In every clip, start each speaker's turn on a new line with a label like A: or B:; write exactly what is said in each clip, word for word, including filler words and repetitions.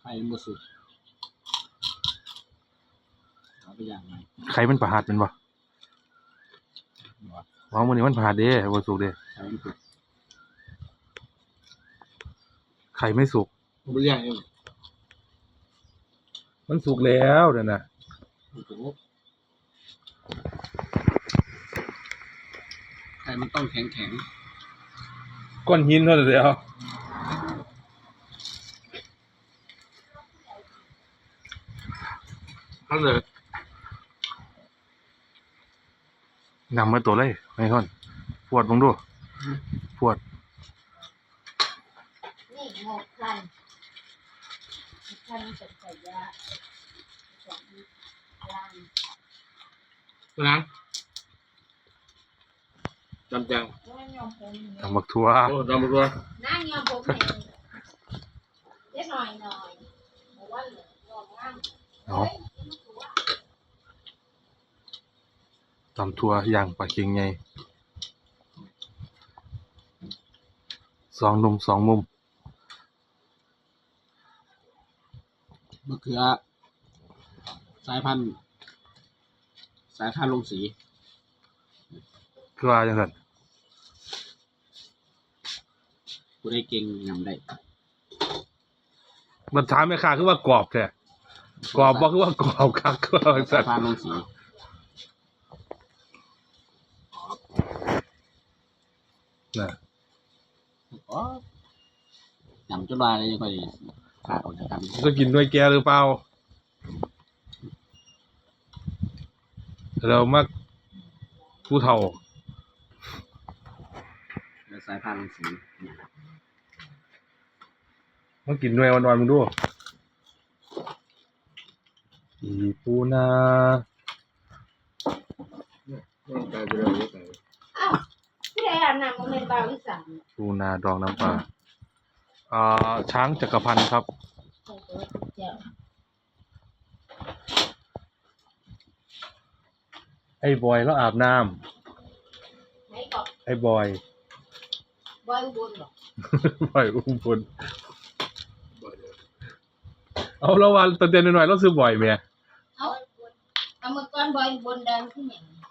A: ข่มันบ่สุกเอาไปอย่างไร
B: ไข่มันประหัดเป็นบ่ว้าวมันนี่มันประหัดเด้บ่สุกเด้
A: ไข่มันสุก
B: ไข่ไม่สุก
A: บ่อย่างเอง
B: มันสุกแล้วเด้อน่ะ
A: ไข่มันต้องแข็งแข็ง
B: ก้อนหินเท่านั้นเดียวนั่นเลยนำมาตัวเลยไม่ท่อนปวดมึงดูปวด
C: นี่หมกพันพันเป็นไก่ยาสองล้าน
A: ตัวนั้นจำจัง
B: ทำบักทั่ว
A: โอ้จำบักทั่ว
C: น้ายอมผมเล็กหน่อยหน่อยบอกว่าเหลือลองง่าม
B: เนาะตำทั่วย่างปลาเค็งไงสองนุ่มสองมุม
A: มะเขือสายพันธุ์สายพันธุ์ลงสี
B: คือว่าจังซั่น
A: กูได้เก่งยำได้
B: มันถามแม่ค้าคือว่ากรอบแท้กรอบบ่คือว่ากรอบคักคือว่าจังซั่น
A: สายพันธุ์ลงสี
B: น่ะ
A: อ๋อยำจนว่าเลยยังค่อยขาดออกจากกัน
B: จะกินด้วยแกหรือเปล่าเรามักผู้เฒ่า
A: สายพันธุ์ลงสี
B: มากินด้วยวันๆมึงดูอีปูนา
C: อ้าวพี่ได้อาบน้ำมันเป็นบาวิสัน
B: ปูนาดองน้ำปลาอ่าช้างจักรพันธ์ครับไอ้บอยแล้วอาบน้ำไอ้บอย
C: บอยอุบลหร
B: อบอยอุ้มบนเอาละวันตอนเด็กหน่อยๆเราซื้อบ่อยไหม
C: เอาเอาเมื่อก่อนบอยอุบลดังที่ไหน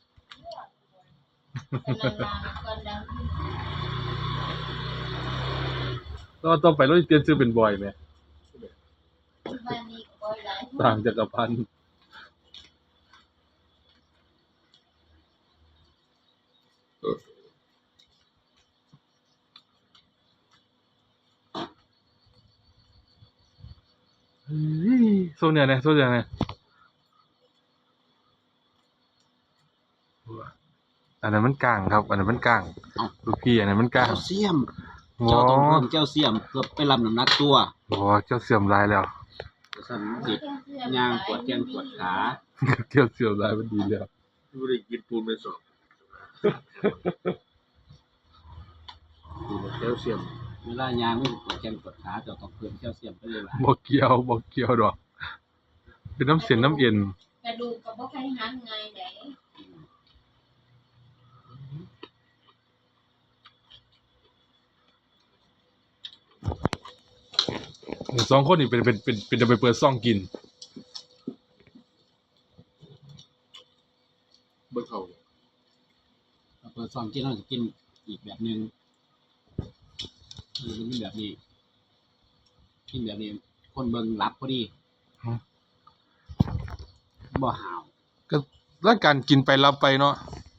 B: เราต้องไปเราเตรียมซื้อเป็นบ่อยไหมต่างจักรพันธ์โซนเนี่ยนะโซนเนี่ยนะอันนั้นมันกลางครับอันนั้นมันกลางลูกพี่อันนั้นมันกลาง
A: เจ้าเสียมเจ้าต้องเพิ่มเจ้าเสียมเพื่อไปรับน้ำหนักตัว
B: โอ้เจ้าเสื่อมลายแล้ว
A: สั่นติดย่างปวดแขนปวดขา
B: เจ้าเสื่อมลายมันดีแล้ว
A: ไม่ได้กินปูนไปสองเจ้าเสียมเวลาย่างไม่ปวดแขนปวดขาเจ้าต้องเพิ่มเจ้าเสียมไปเลยล่ะ
B: บ่เกี่ยวบ่เกี่ยวดอกเป็นน้ำเสียนน้ำเย็น
C: กระดูกกับบ่ใครหันไงไหน
B: สองคนนี่เป็นเป็นเป็นเป็นจะไปเปิดซ่องกิน
A: เบิกเขาเปิดซ่องกินเราจะกินอีกแบบนึงคือมันแบบนี้กินแบบนี้คนเบิ่งรับพอดีบ่หาว
B: ก็แล้วการกินไปรับไปเนาะ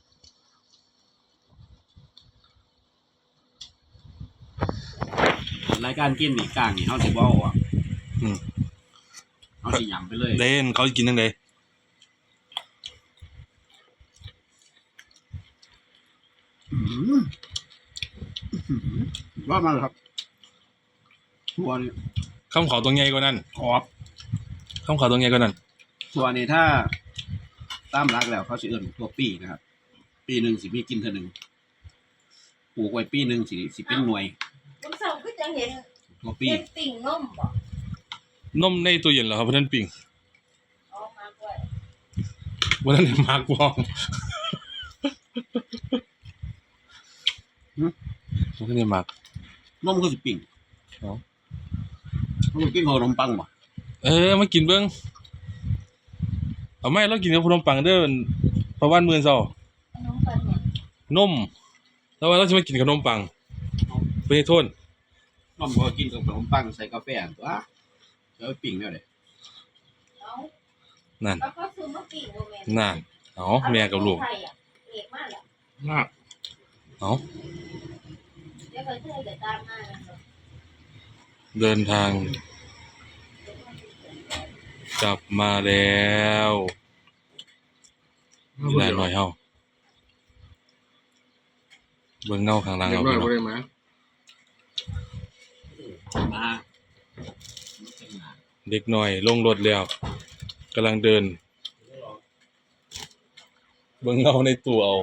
A: รายการกินนี่กลางนี่เฮาสิบ่เอาอ่ะอืมเฮาสิหยำไปเลย
B: เล่นเขากินจังได๋
A: อือว่ามาครับทัวนี่
B: คำขอตัวใหญ่กว่านั้น
A: ขอบ
B: คำขอตัวใหญ่กว่านั้น
A: ทัวนี่ถ้าตามหลักแล้วเขาสิเอิ้นทัวปีนะครับปีนึงสิมีกินเท่านึงปลูกไว้ปีนึงสิสิเป็นหน่วย
C: คุณสาวคือจังเห็น
A: ทัวปี
C: เป็นติ่งนมบ่
B: นมในตู้เย็นเหรอครับเพิ่นปิ้ง
C: อ๋อมาด้วย
B: บ่ทันได้มากบ่หึบ่ทันได้มาก
A: นมก็สิปิ้งอ๋อมันกินขนมปังบ่
B: เออมากินเบิ่งเอาไหม่เรากินกับขนมปังเด้อประวันมื้อเช้า
C: น้องปันเนี่ย
B: นมแล้วว่าเราสิมากินขนมปังเพิ่นให้โทน
A: น้องก็กินกับขนมปังใส่กาแฟอันตัวแล้วไปปิ้งแล้วเด้
C: เอา
B: นั่น
C: แล้วก็ซื้อมาปิ้งโรแมน
B: นั่นเอาแม่กับลูก
C: ไทยอ่ะเอกมากแหละ
A: น่า
B: เอา
C: เดี๋ยวไปเที่ยวเดี๋ยวตามมานะครับ
B: เดินทางกลับมาแล้วมีหลายหน่อยเฮาเบิ่งเงาข้างหลัง
A: เด็ก
B: เอา
A: น้อย
B: พี่น้
A: บ่
B: อง
A: ได้มามา
B: เด็กน้อยลงรถแล้วกำลังเดิน เบิ่งเงาในตู้เอา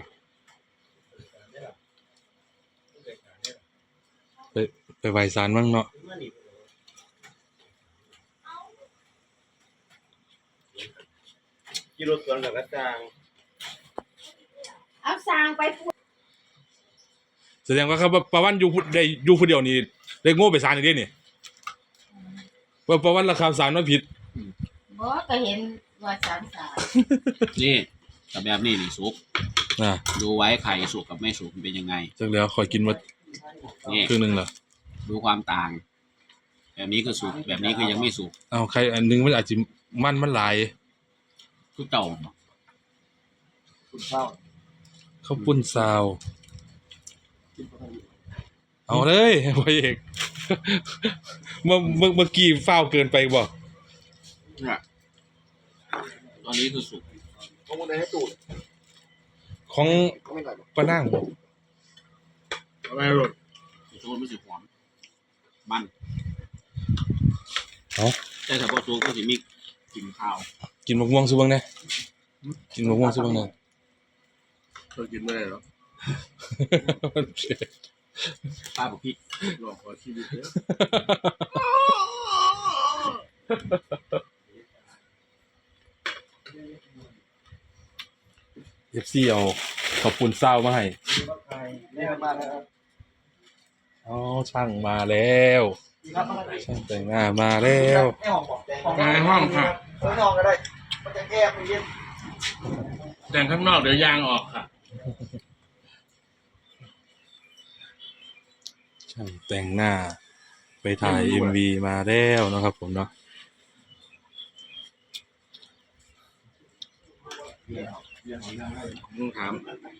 B: ไปไปไหว้ศาลมั่งเนาะ
A: กิโลสวนกับกระจาง
C: เอาสร้างไปพูด
B: แสดงว่าครับประวันอยู่ผู้ได้อยู่ผู้เดียวนี่ได้โง่ไปศาลอีกเด้นี่ว่าประวันราคาศาลมันผิด
C: บอกก็เห็นว่าสามสาม
A: นี่กับแบบนี้นี่สุก
B: น่ะ
A: ดูไว้ไข่สุกกับไม่สุกมันเป็นยังไง
B: จักแล้วขอยกินมา
A: นี่
B: ครึ่งหนึงแล้ว
A: ดูความต่าง แบบนี้คือสุกแบบนี้คือยังไม่สุก
B: เอาใครอันหนึงมันอาจจะมันมันหลาย
A: ทุกเต่า
B: ข้าวปุ้นซาว เอาเลยพ่อเอกเมื่อเมื่อเมื่อกี้ฟ้าวเกินไปบ่
A: เนี่ยตอนนี้คือสุก
D: ของมันได้ให้ตูด
B: ของ
D: ก็ไม่ได้หรอก
B: ป้านั่งบ่
D: อะไรหรอก
A: สุกมันสิหอมมัน
B: เอา
A: แต่ถ้าพอสุกก็สิมีกลิ่นข้าว
B: กินมะม่วงซุบังแน่กินมะม่วงซุบังแน่
D: เธอกินไม่ได้หรอก
A: ป้าบอกพี่
D: หลอกขอชีวิตเยอะ
B: เอฟซีเอาข้าวปุ้นซาวมาให้
D: แม่มาแล้ว
B: อ๋อช่างมาแล้วช่างแต่งหน้ามาแล้ว
D: ให้ห้องบอกแดง
A: ในห้องค่ะ
D: เออห้องก็ได้มันจะแก้ไปเย็น
A: แต่ข้างนอกเดี๋ยวยางออกค่ะ
B: ช่างแต่งหน้า ไปถ่าย เอ็ม วี มาแล้วนะครับผมเนาะ
D: มึงถาม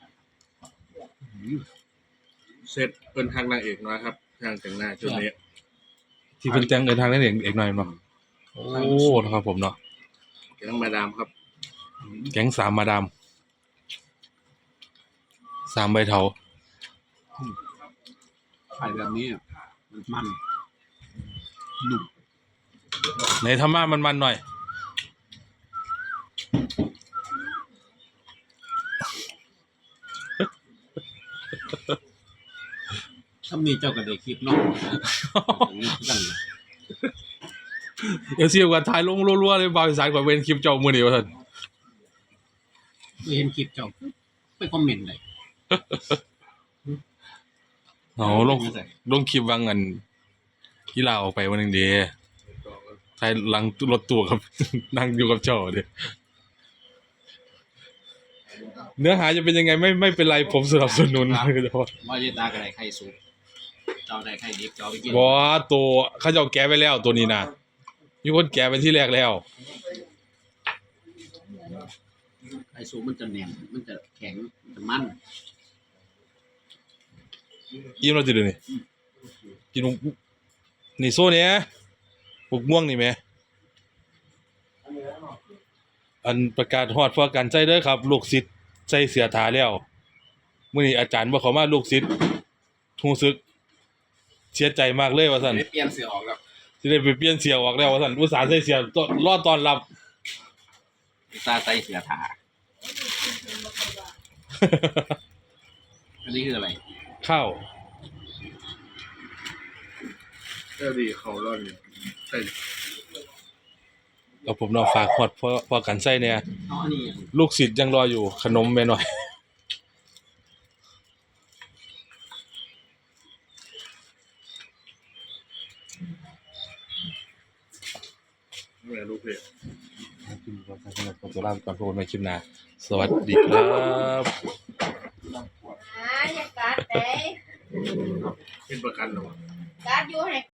D: เสร็จเป็นทางนางเอกน้อยครับทางแต่งหน้าชุดนี้
B: ที่เพิ่นแต่งเดินทางได้เอกเอกหน่อยเนาะโอ้นะครับผมเนาะ
D: แกงมาดามครับ
B: แก๊งสามมาดามสามใบเถา
A: ไข่แบบนี้อะมันมันหนุ่ม
B: ในธรรมะมันๆหน่อย
A: ถ้ามีเจ้าก็ได้คลิปเนอกกัน
B: เอฟซีกับถ่ายลงรัวๆเลยบาวอีสานกว่าเวนคลิปเจ้ามื้อนี้ว่าซั่น
A: ไม่เห็นคลิปเจ้าไปคอมเมนต์เลย
B: เอาลงลงคลิปวางเงินกีฬาออกไปวันหนึงเด้ถ่ายหลังรถตู้กับ นั่งอยู่กับเจ้าเด้เนื้อหาจะเป็นยังไงไม่ไม่เป็นไรผมสนับสนุน
A: ว่าเยตากระไรไข่สุกเจ้าได้ไข่ดิบเจ้าไปกิน
B: บ่ตัวเขาเจ้าแกะไปแล้วตัวนี้นะมีคนแกะไปที่แรกแล้ว
A: ไข่สุกมันจะแน่นมันจะแข็งมันจะมัน
B: อิ่มแล้วติเดี๋ยวนี้กินบุกนี่โซ่เนี่ยบุกม่วงนี่แหมอันประกาศฮอดพอกันใจเด้อครับ ลูกศิษย์ใส่เสื้อทาแล้วมื้อนี้อาจารย์บ่เข้ามาลูกศิษย์รู้สึกเสียใจมากเลยว่าซั่น
A: เปลี่ยนเสือออกแล้ว
B: สิได้ไปเปลี่ยนเสื้อออกแล้วว่าซั่นอุตส่าห์ใส่เสื้อต้อนรอต้อนรับ
A: ตาใส่เสือถาอันนี้คืออะไร
B: ข้าว
D: ก็ดีเขาร่อนอยู่ใช่
B: เอาผมเนาะฝากฮอดพอพอกันใส่เนี่ย
A: อ๋ออันนี้
B: ลูกศิษย์ยังรออยู่ขนมแม่หน่อย
D: แม่ลูกเพจ
B: คลิปนี้ก็สั้นๆขอตัวลาไปก่อนพบกันใหม่คลิปหน้าสวัสดีครับ
C: อ่าอย่ากัดเด้
D: เป็นประกันเหรอ
C: กัดอยู่ให้